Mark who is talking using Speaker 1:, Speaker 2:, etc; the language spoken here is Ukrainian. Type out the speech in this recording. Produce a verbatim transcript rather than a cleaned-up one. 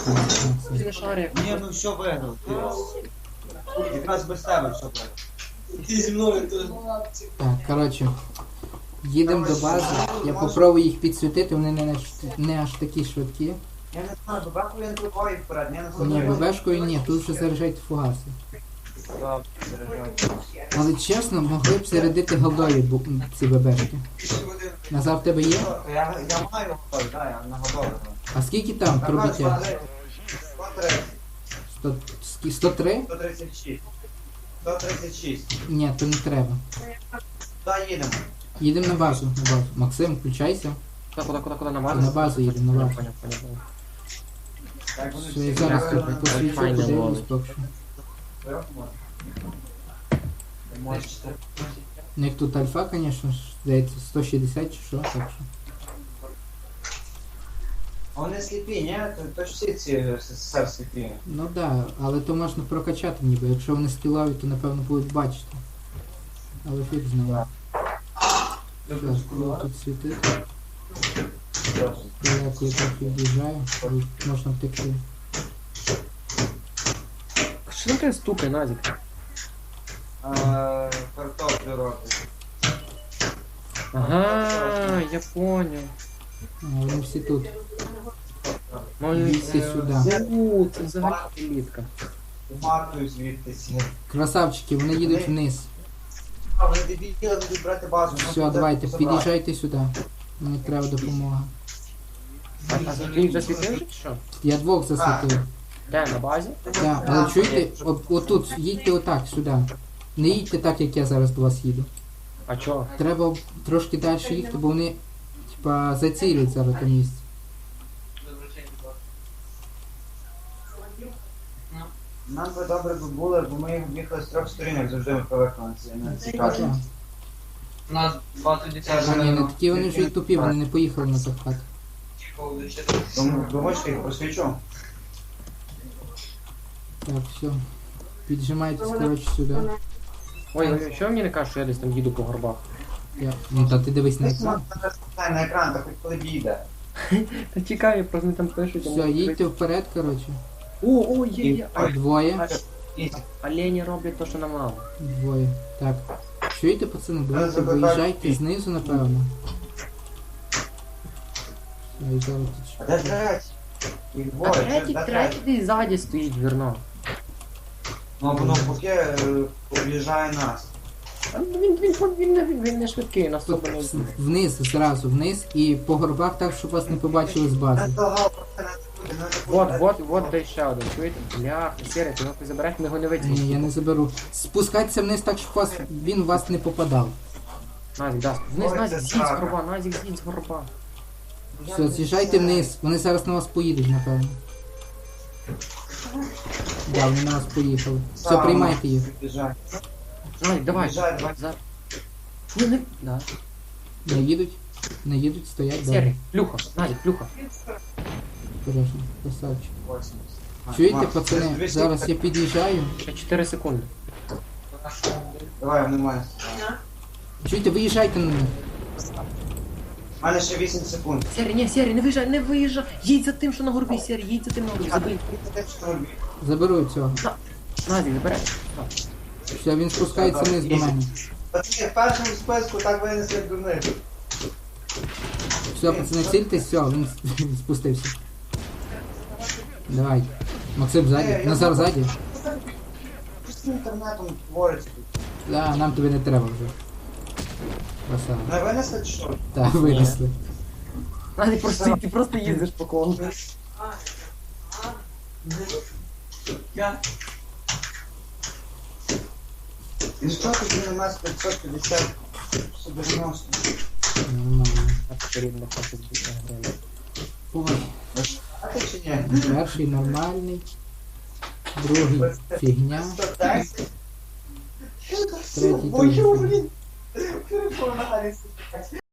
Speaker 1: Ти не шарик.
Speaker 2: Ні, ну що виграв? Ти якраз без тебе що виграв.
Speaker 3: Ти зі мною то.
Speaker 4: Так, коротше. Їдемо до бази. Я попробую їх підсвітити, вони не, аж- не аж такі швидкі.
Speaker 2: Я не знаю, бабаху він прибою вперед, я не
Speaker 4: Ні,
Speaker 2: знаю.
Speaker 4: ББшкою ні, тут вже заряджайте фугаси.
Speaker 2: Добре, заряджайте.
Speaker 4: Але чесно, могли б зарядити голдові бу- ці ББшки. Назар, в тебе є?
Speaker 2: Я, я маю готовий, так, я наготовий.
Speaker 4: А скільки там пробиття?
Speaker 2: сто
Speaker 4: сто,
Speaker 2: тридцять.
Speaker 4: сто три?
Speaker 2: сто тридцять шість. сто тридцять шість.
Speaker 4: Ні, то не треба.
Speaker 2: Та їдемо.
Speaker 4: Їдемо на базу, на базу. Максим, включайся.
Speaker 1: Куди, куди, куди, куди, на
Speaker 4: На
Speaker 1: базу?
Speaker 4: базу їдемо, на базу.
Speaker 1: Поняв, поняв, поняв.
Speaker 2: Так, вони
Speaker 4: Все, я
Speaker 2: всі
Speaker 4: зараз
Speaker 2: виграли.
Speaker 4: тут посвічу,
Speaker 1: Файне
Speaker 4: подивлюсь
Speaker 1: ловить.
Speaker 4: поки що.
Speaker 2: Ти можеш це-
Speaker 4: Ну як тут альфа, звісно, ж, здається, сто шістдесят чи що, так що.
Speaker 2: А вони сліпі, ні? То, то ж всі ці СССР сліпі.
Speaker 4: Ну так, да, але то можна прокачати ніби. Якщо вони скілові, то напевно будуть бачити. Але фіг знає. Так, коли тут світити. Далеко я трохи від'їжджаю, але можна втекти.
Speaker 1: Що таке стукає, Назік?
Speaker 2: Е, Картоплю робить.
Speaker 1: Ага, я поняв.
Speaker 4: А, вони всі тут.
Speaker 1: Мої
Speaker 4: Всі сюди.
Speaker 1: У, це взагалі елітка.
Speaker 2: Матую звідтися.
Speaker 4: Красавчики, вони їдуть вниз.
Speaker 2: А, вони дебіли, будуть брати базу. Ну,
Speaker 4: Все,
Speaker 2: тут
Speaker 4: давайте,
Speaker 2: забрати.
Speaker 4: під'їжджайте сюди. Мені треба допомога.
Speaker 1: А, а ти їх засвітив вже чи що?
Speaker 4: Я двох засвітив.
Speaker 1: Де, на базі?
Speaker 4: Так, але чуєте, от, отут, їдьте отак, сюди. Не їдьте так, як я зараз до вас їду.
Speaker 1: А чого?
Speaker 4: Треба трошки далі їхати, бо вони, типа, зацілять зараз те місце.
Speaker 2: Нам би добре би було, бо ми їхали з трьох сторін, як завжди ми привикли на ці на ці
Speaker 4: Так.
Speaker 2: карти.
Speaker 3: У нас двадцять десять.
Speaker 4: А ні, не такі вони вже й тупі, вони не поїхали на захват.
Speaker 2: Тому думаєш, я їх просвічу?
Speaker 4: Так, все. Піджимайтесь, коротше, сюди.
Speaker 1: Ой, ой, що ви мені не кажеш, що я десь там їду по горбах?
Speaker 4: Я... Ну та ти дивись на екран.
Speaker 2: Дай на екран, так хоч коли бійде.
Speaker 1: Та чекай, просто вони там пишуть. а
Speaker 4: Все,
Speaker 1: ми-
Speaker 4: їдьте вперед, коротше.
Speaker 1: О, о, є, є. А,
Speaker 4: Двоє.
Speaker 1: олені роблять то, що нам мало.
Speaker 4: Двоє. Так. Чуєте, пацани, давайте виїжджайте знизу, напевно. Все, і зараз тут
Speaker 2: А
Speaker 4: ще.
Speaker 2: де третій? Їх
Speaker 1: А
Speaker 2: двоє,
Speaker 1: третій,
Speaker 2: чи де
Speaker 1: третій десь ззаді стоїть, вірно.
Speaker 2: Ну, воно поки е, об'їжджає нас.
Speaker 1: А він, він, він, він, не- він не швидкий, нас
Speaker 4: Тут
Speaker 1: особо не...
Speaker 4: вниз, зразу вниз і по горбах так, щоб вас не побачили з
Speaker 2: Не
Speaker 4: бази.
Speaker 2: того, не буде, не
Speaker 1: Вот,
Speaker 2: буде.
Speaker 1: вот, вот де ще один, чуєте? Бляха, Сірий, ти його забереш, ми його не
Speaker 4: Ні, я
Speaker 1: витягнемо.
Speaker 4: не заберу. Спускайтеся вниз так, щоб вас, він в вас не попадав.
Speaker 1: Назік, да. Вниз,
Speaker 2: Ой,
Speaker 1: Назік,
Speaker 2: це
Speaker 1: з'їдь з
Speaker 2: срака.
Speaker 1: горба, Назік, з'їдь з горба.
Speaker 4: Все, з'їжджайте вниз. Вони зараз на вас поїдуть, напевно. Да, вони на вас поїхали. Все,
Speaker 2: Сам
Speaker 4: приймайте їх.
Speaker 2: Об'їжджай.
Speaker 1: Назік, давай.
Speaker 2: Об'їжджай, давай.
Speaker 1: За... Не, не, да.
Speaker 4: Не їдуть? Не їдуть, стоять,
Speaker 1: Сірий,
Speaker 4: добре.
Speaker 1: плюха, Назік, плюха.
Speaker 4: Осторожно, красавчик.
Speaker 2: восемьдесят.
Speaker 4: Чуєте,
Speaker 2: Макс,
Speaker 4: пацани,
Speaker 2: двісті
Speaker 4: зараз я під'їжджаю.
Speaker 1: Ще чотири секунди.
Speaker 2: Давай, немає.
Speaker 4: Чуєте, виїжджайте на них.
Speaker 2: У мене ще вісім секунд.
Speaker 1: Сірий, ні, Сірий, не виїжджай, не виїжджай. Їдь за тим, що на горбі, Сірий, їдь за тим на горбі, забий.
Speaker 4: Заберу цього.
Speaker 1: Назік, забереш.
Speaker 4: Все, він спускається вниз до мене.
Speaker 2: Пацани, в першому списку так винесли як дурних.
Speaker 4: Все, пацани, цільтесь, все, він, він спустився. Давай. Максим ззаді. Назар ззаді.
Speaker 2: Що з інтернетом твориться тут?
Speaker 4: Да, нам тобі не треба вже. Красава.
Speaker 2: Не винесли чи що?
Speaker 4: Так, винесли.
Speaker 1: Назік, просто, ти просто їздиш по колу.
Speaker 3: Я.
Speaker 2: І що тоді на нас п'ятсот п'ятдесят сто дев'яносто?
Speaker 4: Нормально.
Speaker 1: Потрібно хоче збити гривень.
Speaker 4: Ой,
Speaker 2: А ти чи ні?
Speaker 4: перший нормальний. Другий фігня.
Speaker 2: сто десять?
Speaker 4: Третій
Speaker 2: Ой,
Speaker 4: теж.
Speaker 2: блін. Перепонали.